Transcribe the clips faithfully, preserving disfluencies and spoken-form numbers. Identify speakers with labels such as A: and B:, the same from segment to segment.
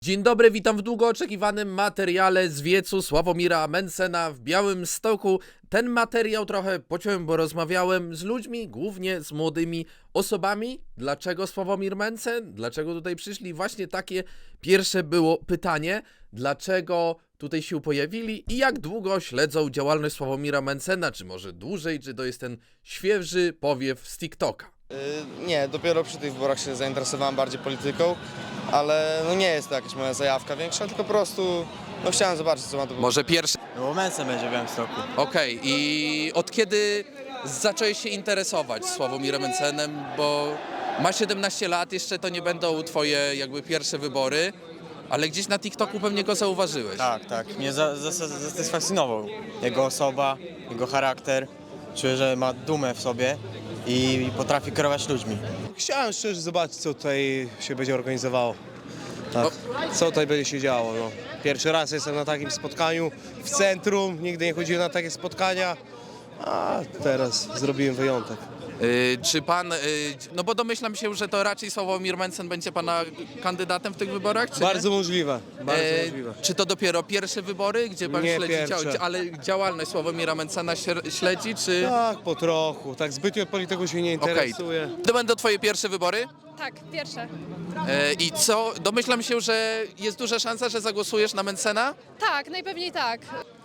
A: Dzień dobry, witam w długo oczekiwanym materiale z wiecu Sławomira Mentzena w Białymstoku. Ten materiał trochę pociąłem, bo rozmawiałem z ludźmi, głównie z młodymi osobami. Dlaczego Sławomir Mentzen? Dlaczego tutaj przyszli? Właśnie takie pierwsze było pytanie. Dlaczego tutaj się pojawili i jak długo śledzą działalność Sławomira Mentzena? Czy może dłużej, czy to jest ten świeży powiew z TikToka?
B: Yy, nie, dopiero przy tych wyborach się zainteresowałem bardziej polityką, ale no nie jest to jakaś moja zajawka większa, tylko po prostu no chciałem zobaczyć, co ma to.
A: Może pierwszy?
C: No bo Mentzen będzie w Białymstoku.
A: Okej, i od kiedy zacząłeś się interesować Sławomirem Mentzenem, bo masz siedemnaście lat, jeszcze to nie będą twoje jakby pierwsze wybory, ale gdzieś na TikToku pewnie go zauważyłeś.
C: Tak, tak. Mnie za- za- za- zasatysfakcjonował. Jego osoba, jego charakter. Czuję, że ma dumę w sobie i potrafi kierować ludźmi.
D: Chciałem szczerze zobaczyć, co tutaj się będzie organizowało. Tak. Co tutaj będzie się działo. No. Pierwszy raz jestem na takim spotkaniu w centrum, nigdy nie chodziłem na takie spotkania, a teraz zrobiłem wyjątek.
A: Y, czy pan, y, no bo domyślam się, że to raczej Sławomir Mentzen będzie pana kandydatem w tych wyborach, czy
D: Bardzo
A: nie?
D: możliwe, bardzo
A: E,
D: możliwe.
A: Czy to dopiero pierwsze wybory, gdzie pan
D: Nie
A: śledzi,
D: pierwsze.
A: dzia- ale działalność Sławomira Mentzena śr- śledzi, czy...
D: Tak, po trochu, tak zbytnio polityką się nie
A: Okej,
D: interesuję.
A: to będą twoje pierwsze wybory?
E: Tak, pierwsze.
A: E, I co? Domyślam się, że jest duża szansa, że zagłosujesz na Mentzena?
E: Tak, najpewniej tak.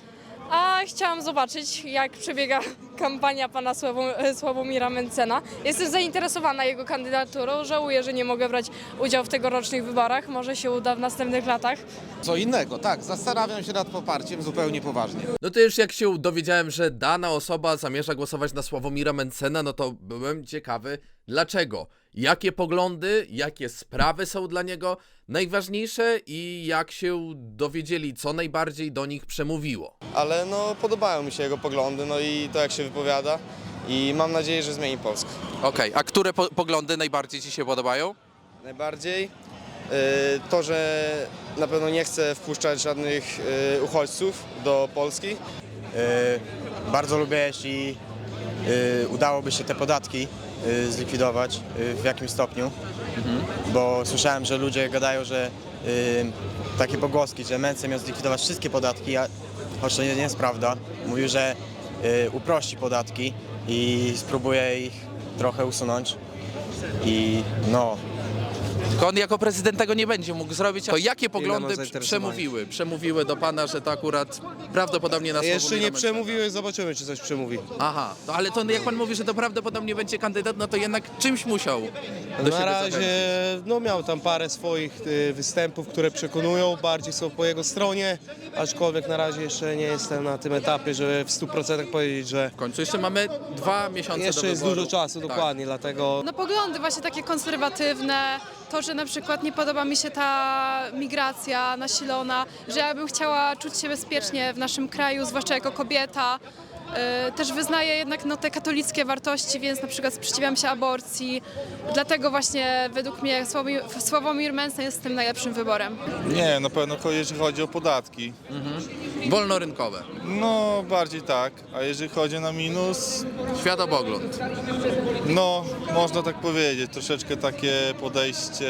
E: A chciałam zobaczyć, jak przebiega kampania pana Sławo- Sławomira Mentzena. Jestem zainteresowana jego kandydaturą. Żałuję, że nie mogę brać udziału w tegorocznych wyborach. Może się uda w następnych latach.
F: Co innego, tak, zastanawiam się nad poparciem zupełnie poważnie.
A: No to już jak się dowiedziałem, że dana osoba zamierza głosować na Sławomira Mentzena, no to byłem ciekawy dlaczego. Jakie poglądy, jakie sprawy są dla niego najważniejsze i jak się dowiedzieli, co najbardziej do nich przemówiło.
B: Ale no podobają mi się jego poglądy, no i to jak się wypowiada i mam nadzieję, że zmieni Polskę.
A: Okej, a które po poglądy najbardziej ci się podobają?
B: Najbardziej yy, to, że na pewno nie chce wpuszczać żadnych yy, uchodźców do Polski.
C: Yy, bardzo lubię, jeśli yy, udałoby się te podatki yy, zlikwidować yy, w jakimś stopniu, bo słyszałem, że ludzie gadają, że yy, takie pogłoski, że Mentzen miał zlikwidować wszystkie podatki, a choć to nie, nie jest prawda. Mówił, że yy, uprości podatki i spróbuje ich trochę usunąć i no,
A: Tylko on jako prezydent tego nie będzie mógł zrobić. To jakie poglądy
D: mam zainteresowania.
A: przemówiły? Przemówiły do pana, że to akurat prawdopodobnie na
D: Jeszcze
A: Sławomira
D: nie
A: Mentzena?
D: przemówiły, zobaczymy, czy coś przemówi.
A: Aha, no ale to jak pan mówi, że to prawdopodobnie będzie kandydat, no to jednak czymś musiał do
D: Na
A: siebie
D: razie
A: zachęcić.
D: no, miał tam parę swoich y, występów, które przekonują, bardziej są po jego stronie, aczkolwiek na razie jeszcze nie jestem na tym etapie, żeby w stu procentach powiedzieć, że
A: W końcu jeszcze mamy dwa miesiące
D: jeszcze
A: do
D: jest
A: wyboru.
D: dużo czasu,
A: Tak.
D: dokładnie, dlatego
E: No poglądy właśnie takie konserwatywne. To, że na przykład nie podoba mi się ta migracja nasilona, że ja bym chciała czuć się bezpiecznie w naszym kraju, zwłaszcza jako kobieta. Yy, Też wyznaję jednak no, te katolickie wartości, więc na przykład sprzeciwiam się aborcji. Dlatego właśnie według mnie Sławomir, Sławomir Mentzen jest tym najlepszym wyborem.
G: Nie, na pewno cho- jeżeli chodzi o podatki,
A: Wolnorynkowe.
G: no bardziej tak, a jeżeli chodzi na minus,
A: Światopogląd.
G: no można tak powiedzieć, troszeczkę takie podejście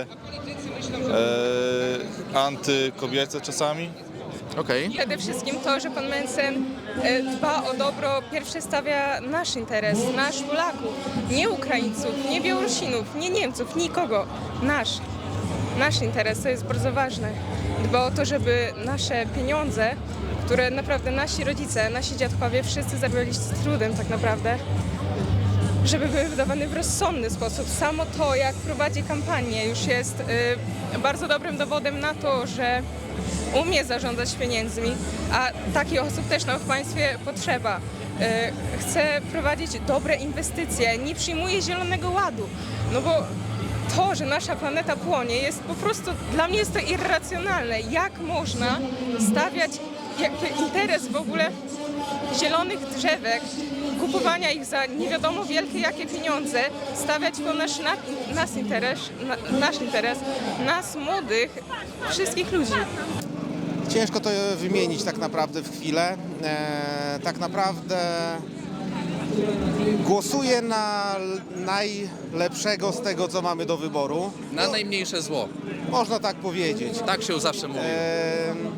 G: e, antykobiece czasami.
A: Okej.
H: Przede wszystkim to, że pan Mentzen e, dba o dobro, pierwsze stawia nasz interes, nasz Polaków, nie Ukraińców, nie Białorusinów, nie Niemców, nikogo, nasz. Nasz interes, to jest bardzo ważne. Dba o to, żeby nasze pieniądze, które naprawdę nasi rodzice, nasi dziadkowie wszyscy zarabiali z trudem tak naprawdę, żeby były wydawane w rozsądny sposób. Samo to, jak prowadzi kampanię, już jest y, bardzo dobrym dowodem na to, że umie zarządzać pieniędzmi, a takich osób też nam w państwie potrzeba. Y, chce prowadzić dobre inwestycje, nie przyjmuje zielonego ładu, no bo to, że nasza planeta płonie, jest po prostu, dla mnie jest to irracjonalne. Jak można stawiać jakby interes w ogóle zielonych drzewek, kupowania ich za nie wiadomo wielkie jakie pieniądze, stawiać to nasz, na, nas interes, na, nasz interes, nas młodych, wszystkich ludzi.
F: Ciężko to wymienić tak naprawdę w chwilę. E, tak naprawdę Głosuję na l- najlepszego z tego, co mamy do wyboru.
A: Na najmniejsze zło.
F: Można tak powiedzieć.
A: Tak się zawsze mówi.
F: Em,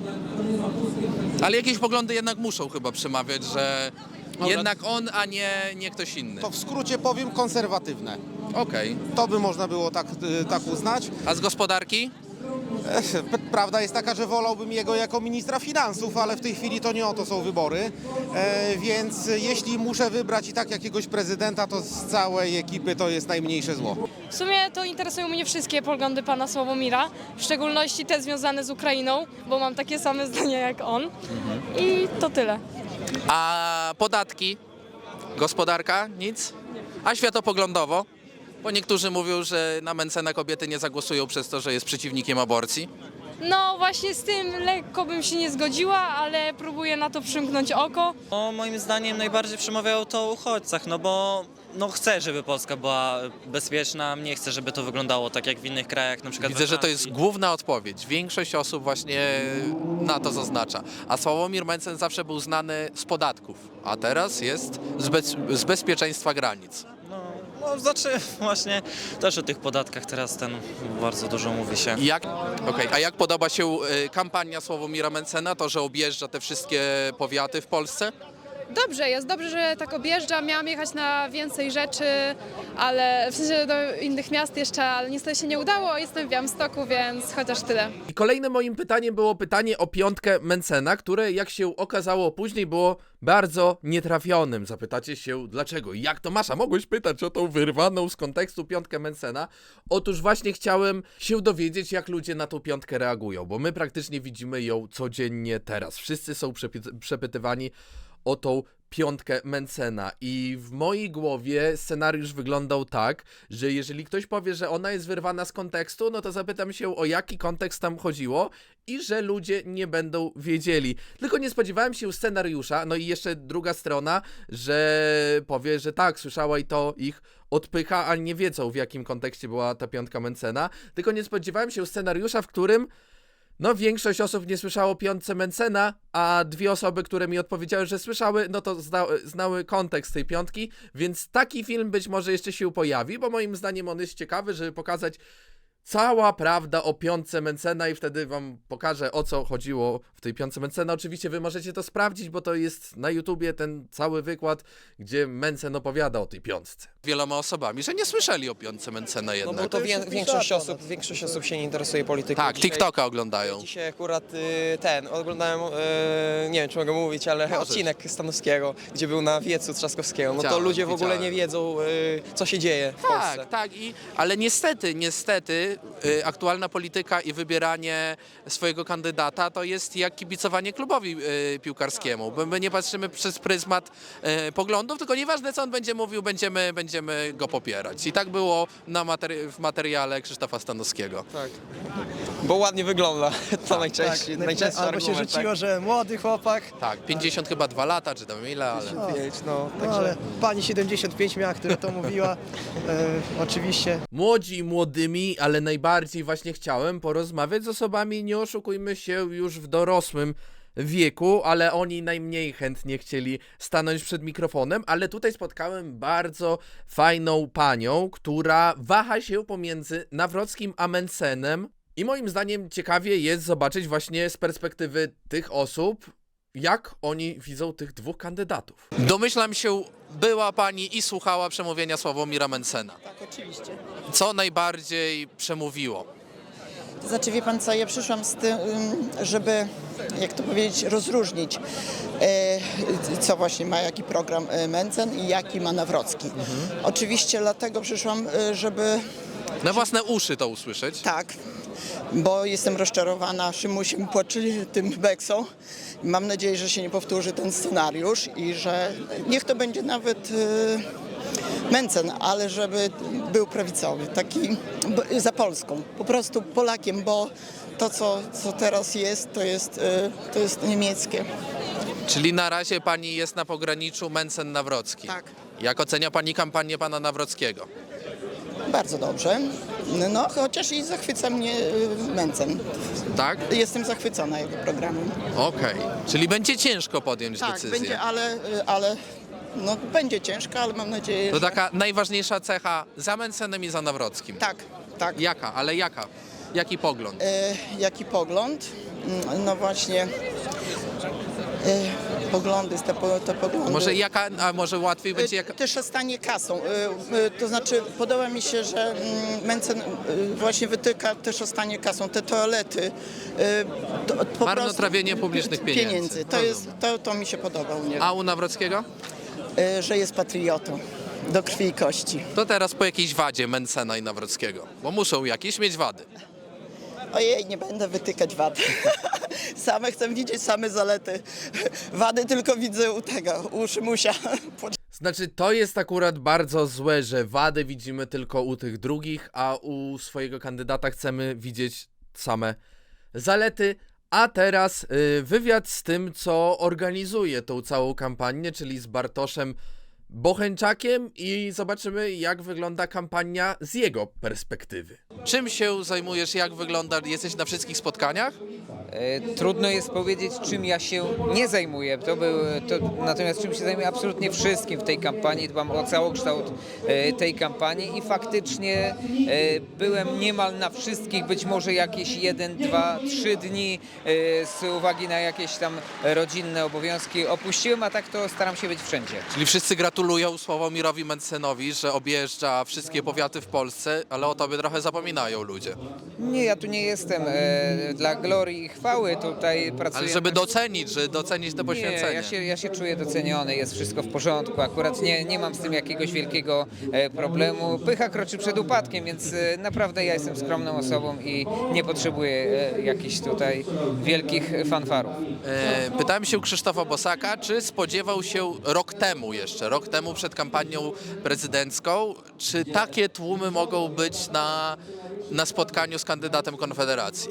A: Ale jakieś poglądy jednak muszą chyba przemawiać, że
F: Dobra.
A: jednak on, a nie, nie ktoś inny.
F: to w skrócie powiem konserwatywne.
A: Okej.
F: To by można było tak, y, tak uznać.
A: A z gospodarki?
F: Ech, p- Prawda jest taka, że wolałbym jego jako ministra finansów, ale w tej chwili to nie o to są wybory. E, więc jeśli muszę wybrać i tak jakiegoś prezydenta, to z całej ekipy to jest najmniejsze zło.
I: W sumie to interesują mnie wszystkie poglądy pana Sławomira, w szczególności te związane z Ukrainą, bo mam takie same zdania jak on. I to tyle.
A: A podatki? Gospodarka? Nic? A światopoglądowo? Bo niektórzy mówią, że na Mentzena kobiety nie zagłosują przez to, że jest przeciwnikiem aborcji.
I: No właśnie z tym lekko bym się nie zgodziła, ale próbuję na to przymknąć oko.
J: No, moim zdaniem najbardziej przemawiało to o uchodźcach, no bo no chcę, żeby Polska była bezpieczna, nie chcę, żeby to wyglądało tak jak w innych krajach, na przykład
A: Widzę,
J: we
A: że to jest
J: Francji.
A: główna odpowiedź. Większość osób właśnie na to zaznacza. A Sławomir Mentzen zawsze był znany z podatków, a teraz jest z, bez, z bezpieczeństwa granic.
J: No, no znaczy właśnie też o tych podatkach teraz ten bardzo dużo mówi się.
A: I Jak, okej, a jak podoba się y, kampania Sławomira Mentzena, to, że objeżdża te wszystkie powiaty w Polsce?
E: Dobrze, jest dobrze, że tak objeżdżam. Miałam jechać na więcej rzeczy, ale w sensie do innych miast jeszcze, ale niestety się nie udało. Jestem w Białymstoku, więc chociaż tyle.
A: I kolejnym moim pytaniem było pytanie o piątkę Mentzena, które jak się okazało później było bardzo nietrafionym. Zapytacie się dlaczego? Jak to Masza? Mogłeś pytać o tą wyrwaną z kontekstu piątkę Mentzena? Otóż właśnie chciałem się dowiedzieć, jak ludzie na tą piątkę reagują, bo my praktycznie widzimy ją codziennie teraz. Wszyscy są przepy- przepytywani o tą piątkę Mentzena i w mojej głowie scenariusz wyglądał tak, że jeżeli ktoś powie, że ona jest wyrwana z kontekstu, no to zapytam się, o jaki kontekst tam chodziło i że ludzie nie będą wiedzieli. Tylko nie spodziewałem się scenariusza, no i jeszcze druga strona, że powie, że tak, słyszała i to ich odpycha, a nie wiedzą, w jakim kontekście była ta piątka Mentzena. Tylko nie spodziewałem się scenariusza, w którym no większość osób nie słyszało o piątce Mentzena, a dwie osoby, które mi odpowiedziały, że słyszały, no to zna, znały kontekst tej piątki, więc taki film być może jeszcze się pojawi, bo moim zdaniem on jest ciekawy, żeby pokazać cała prawda o piątce Mentzena i wtedy wam pokażę, o co chodziło w tej piątce Mentzena. Oczywiście wy możecie to sprawdzić, bo to jest na YouTubie ten cały wykład, gdzie Mentzen opowiada o tej piątce. Wieloma osobami, że nie słyszeli o piątce Mentzena
K: No
A: jednak.
K: bo to wię- większość osób, większość osób się nie interesuje polityką.
A: Tak,
K: Dzisiaj-
A: TikToka oglądają.
K: Dzisiaj akurat y, ten, oglądałem, y, nie wiem czy mogę mówić, ale
A: Możesz.
K: odcinek Stanowskiego, gdzie był na wiecu Trzaskowskiego. No to
A: Widziałem,
K: ludzie w ogóle
A: widziałem.
K: nie wiedzą, y, co się dzieje w Polsce.
A: Tak, tak, i, ale niestety, niestety y, aktualna polityka i wybieranie swojego kandydata to jest jak kibicowanie klubowi y, piłkarskiemu, bo my nie patrzymy przez pryzmat y, poglądów, tylko nieważne co on będzie mówił, będziemy, będziemy go popierać. I tak było na materi- w materiale Krzysztofa Stanowskiego.
K: Tak. Bo ładnie wygląda, to najczęściej,
L: Tak,
K: najczęstszy
L: albo się
K: argument,
L: rzuciło, że młody chłopak,
A: Tak, pięćdziesiąt chyba dwa lata, czy tam ile, ale...
K: tak. Pięć, no,
L: no
K: także...
L: ale pani siedemdziesiąt pięć miała, która to mówiła, e, oczywiście.
A: Młodzi i młodymi, ale najbardziej właśnie chciałem porozmawiać z osobami, nie oszukujmy się, już w dorosłym wieku, ale oni najmniej chętnie chcieli stanąć przed mikrofonem, ale tutaj spotkałem bardzo fajną panią, która waha się pomiędzy Nawrockim a Mentzenem i moim zdaniem ciekawie jest zobaczyć właśnie z perspektywy tych osób, jak oni widzą tych dwóch kandydatów. Domyślam się, była pani i słuchała przemówienia Sławomira Mentzena.
M: Tak, oczywiście.
A: Co najbardziej przemówiło?
M: To znaczy, wie pan co, ja przyszłam z tym, żeby, jak to powiedzieć, rozróżnić, e, co właśnie ma jaki program e, Mentzen i jaki ma Nawrocki. Oczywiście dlatego przyszłam, e, żeby...
A: Na własne uszy to usłyszeć.
M: Tak, bo jestem rozczarowana Szymusiem płaczy tym Beksą. Mam nadzieję, że się nie powtórzy ten scenariusz i że niech to będzie nawet e, Mentzen, ale żeby był prawicowy, taki b- za Polską, po prostu Polakiem, bo to, co, co teraz jest, to jest, e, to jest niemieckie.
A: Czyli na razie pani jest na pograniczu Mentzen-Nawrocki.
M: Tak.
A: Jak ocenia pani kampanię pana Nawrockiego?
M: Bardzo dobrze, no chociaż i zachwyca mnie e, Mentzen.
A: Tak?
M: Jestem zachwycona jego programem.
A: Okej. Czyli będzie ciężko podjąć
M: Tak,
A: decyzję.
M: będzie, ale, ale no będzie ciężko, ale mam nadzieję,
A: To
M: że...
A: taka najważniejsza cecha za Mencenem i za Nawrockim.
M: Tak, tak.
A: Jaka? Ale jaka? Jaki pogląd?
M: E, jaki pogląd? Mm, No właśnie, e, poglądy, te, po- te poglądy.
A: Może jaka, a może łatwiej będzie
M: E,
A: jaka?
M: Też stanie kasą. E, e, To znaczy podoba mi się, że mm, Mencen e, właśnie wytyka też o stanie kasą. Te toalety. e, to- po
A: Marnotrawienie
M: prostu-
A: publicznych pieniędzy.
M: To, jest, to, to mi się podoba u niego.
A: A u Nawrockiego?
M: E, Że jest patriotą do krwi i kości.
A: To teraz po jakiejś wadzie Mencena i Nawrockiego, bo muszą jakieś mieć wady.
M: Ojej, nie będę wytykać wad. Same chcę widzieć same zalety. Wady tylko widzę u tego, u Szymusia.
A: Znaczy, to jest akurat bardzo złe, że wady widzimy tylko u tych drugich, a u swojego kandydata chcemy widzieć same zalety. A teraz y, wywiad z tym, co organizuje tą całą kampanię, czyli z Bartoszem Bochenczakiem, i zobaczymy, jak wygląda kampania z jego perspektywy. Czym się zajmujesz, jak wygląda, jesteś na wszystkich spotkaniach?
N: E, Trudno jest powiedzieć, czym ja się nie zajmuję. To był, to, natomiast czym się zajmuję absolutnie wszystkim w tej kampanii. Dbam o całokształt e, tej kampanii i faktycznie e, byłem niemal na wszystkich, być może jakieś jeden, dwa, trzy dni e, z uwagi na jakieś tam rodzinne obowiązki opuściłem, a tak to staram się być wszędzie.
A: Czyli wszyscy gratulują Sławomirowi Mencenowi, że objeżdża wszystkie powiaty w Polsce, ale o tobie trochę zapominają ludzie.
N: Nie, ja tu nie jestem e, dla glorii i chwały, tutaj pracuję.
A: Ale żeby docenić, że docenić to poświęcenie.
N: Nie, ja się, ja się czuję doceniony, jest wszystko w porządku. Akurat nie, nie mam z tym jakiegoś wielkiego e, problemu. Pycha kroczy przed upadkiem, więc e, naprawdę ja jestem skromną osobą i nie potrzebuję e, jakichś tutaj wielkich fanfarów.
A: E, pytałem się Krzysztofa Bosaka, czy spodziewał się rok temu jeszcze, rok temu przed kampanią prezydencką, czy takie tłumy mogą być na, na spotkaniu z kandydatem Konfederacji?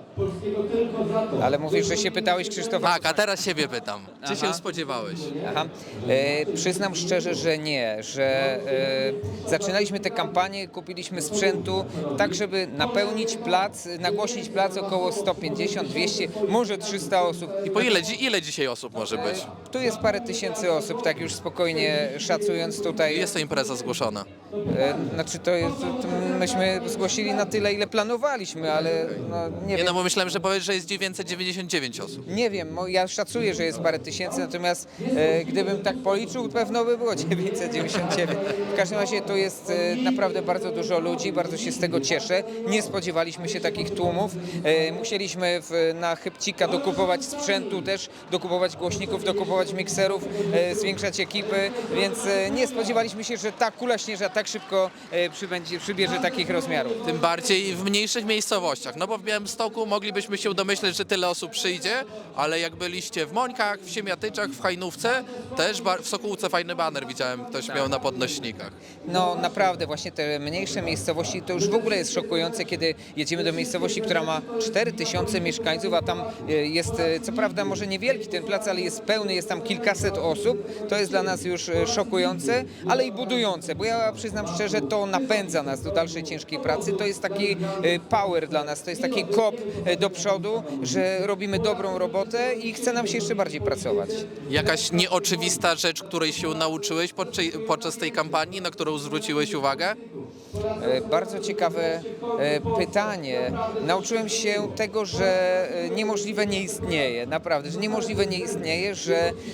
N: Ale mówisz, że się pytałeś Krzysztofa?
A: Tak, a teraz siebie pytam. Czy
N: Aha.
A: się spodziewałeś?
N: Aha. E, przyznam szczerze, że nie, że e, zaczynaliśmy tę kampanię, kupiliśmy sprzętu tak, żeby napełnić plac, nagłośnić plac około sto pięćdziesiąt, dwieście, może trzysta osób.
A: I po ile, dzi- ile dzisiaj osób może być?
N: Tu jest parę tysięcy osób, tak już spokojnie szacując tutaj.
A: Jest to impreza zgłoszona.
N: E, znaczy to jest, to myśmy zgłosili na tyle, ile planowaliśmy, ale no, nie,
A: Nie
N: wiem.
A: no, bo myślałem, że powiesz, że jest dziewięćset dziewięćdziesiąt dziewięć osób.
N: Nie wiem, mo- ja szacuję, że jest parę tysięcy, natomiast e, gdybym tak policzył, pewno by było dziewięćset dziewięćdziesiąt dziewięć. W każdym razie to jest e, naprawdę bardzo dużo ludzi, bardzo się z tego cieszę. Nie spodziewaliśmy się takich tłumów. E, musieliśmy w, na chybcika dokupować sprzętu też, dokupować głośników, dokupować mikserów, e, zwiększać ekipy, więc e, nie spodziewaliśmy się, że ta kula śnieżna tak szybko e, przybędzie, przybierze takich rozmiarów.
A: Tym bardziej w mniejszych miejscowościach. No bo w Białymstoku moglibyśmy się domyśleć, że tyle osób przyjdzie, ale jak byliście w Mońkach, w Siemiatyczach, w Hajnówce, też bar- w Sokółce fajny baner widziałem, ktoś miał na podnośnikach.
N: No naprawdę, właśnie te mniejsze miejscowości to już w ogóle jest szokujące, kiedy jedziemy do miejscowości, która ma cztery tysiące mieszkańców, a tam e, jest, e, co prawda może niewielki ten plac, ale jest pełny, jest tam kilkaset osób. To jest dla nas już e, szokujące, ale i budujące, bo ja przyznam szczerze, to napędza nas do dalszej ciężkiej pracy. To jest taki e, power dla nas, to jest taki kop e, do przodu, że robimy dobrą robotę i chce nam się jeszcze bardziej pracować.
A: Jakaś nieoczywista rzecz, której się nauczyłeś podczas, podczas tej kampanii, na którą zwróciłeś uwagę?
N: E, Bardzo ciekawe e, pytanie. Nauczyłem się tego, że e, niemożliwe nie istnieje, naprawdę, że niemożliwe nie istnieje, że e,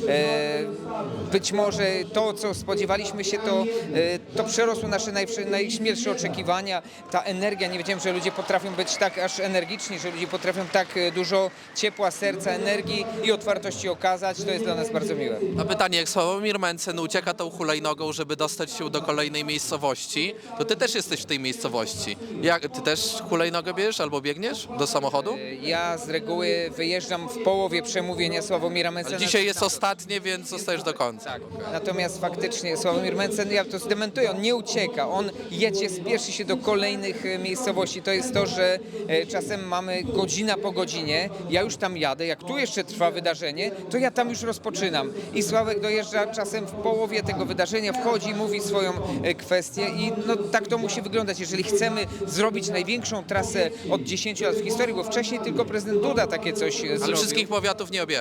N: być może to, co spodziewaliśmy się, to, e, to przerosło nasze najwszy- najśmielsze oczekiwania. Ta energia, nie wiedziałem, że ludzie potrafią być tak aż energiczni, że ludzie potrafią tak e, dużo ciepła, serca, energii i otwartości okazać. To jest dla nas bardzo miłe.
A: A pytanie, jak Sławomir Mencen ucieka tą hulajnogą, żeby dostać się do kolejnej miejscowości, to ty też jesteś w tej miejscowości. Jak, ty też hulajnogę bierzesz albo biegniesz do samochodu?
N: E, Ja z reguły wyjeżdżam w połowie przemówienia Sławomira Mencena.
A: Ale dzisiaj jest ostatnie, więc zostajesz do końca.
N: Tak. Natomiast faktycznie Sławomir Mencen, ja to zdementuję, on nie ucieka, on jedzie, spieszy się do kolejnych e, miejscowości. To jest to, że e, czasem mamy godzina po godzinie, ja już tam jadę, jak tu jeszcze trwa wydarzenie, to ja tam już rozpoczynam. I Sławek dojeżdża czasem w połowie tego wydarzenia, wchodzi, mówi swoją e, kwestię i no, tak to musi wyglądać. Jeżeli chcemy zrobić największą trasę od dziesięciu lat w historii, bo wcześniej tylko prezydent Duda takie coś e,
A: Ale
N: zrobił.
A: wszystkich powiatów nie objechał.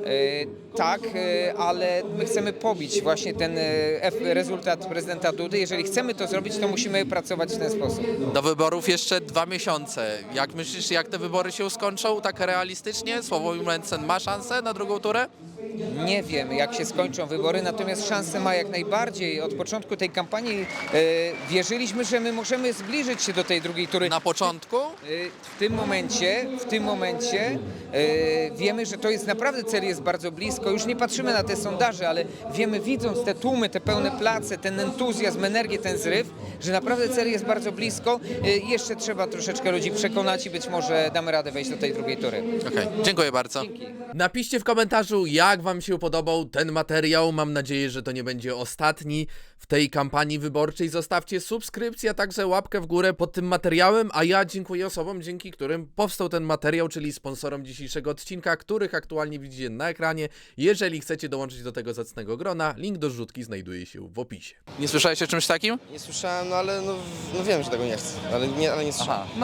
N: Tak, e, ale my chcemy pobić właśnie ten e, ef- rezultat prezydenta Dudy. Jeżeli chcemy to zrobić, to musimy pracować w ten sposób.
A: Do wyborów jeszcze dwa miesiące. Jak myślisz, jak te wybory się skończą, tak realistycznie? Sławomir Mencen ma szansę na drugą turę?
N: Nie wiem, jak się skończą wybory, natomiast szansę ma jak najbardziej. Od początku tej kampanii e, wierzyliśmy, że my możemy zbliżyć się do tej drugiej tury.
A: Na początku?
N: E, w tym momencie, w tym momencie e, wiemy, że to jest naprawdę cel jest bardzo blisko. Już nie patrzymy na te sondaże, ale wiemy, widząc te tłumy, te pełne place, ten entuzjazm, energię, ten zryw, że naprawdę cel jest bardzo blisko. E, jeszcze trzeba troszeczkę ludzi przekonać i być może damy radę wejść do tej drugiej tury.
A: Okej, dziękuję bardzo.
N: Dzięki.
A: Napiszcie w komentarzu, jak wam się podobał ten materiał. Mam nadzieję, że to nie będzie ostatni w tej kampanii wyborczej. Zostawcie subskrypcję, a także łapkę w górę pod tym materiałem, a ja dziękuję osobom, dzięki którym powstał ten materiał, czyli sponsorom dzisiejszego odcinka, których aktualnie widzicie na ekranie. Jeżeli chcecie dołączyć do tego zacnego grona, link do zrzutki znajduje się w opisie. Nie słyszałeś o czymś takim?
B: Nie słyszałem, no ale no, no wiem, że tego nie chcę, ale nie, ale nie słyszałem.
A: Aha.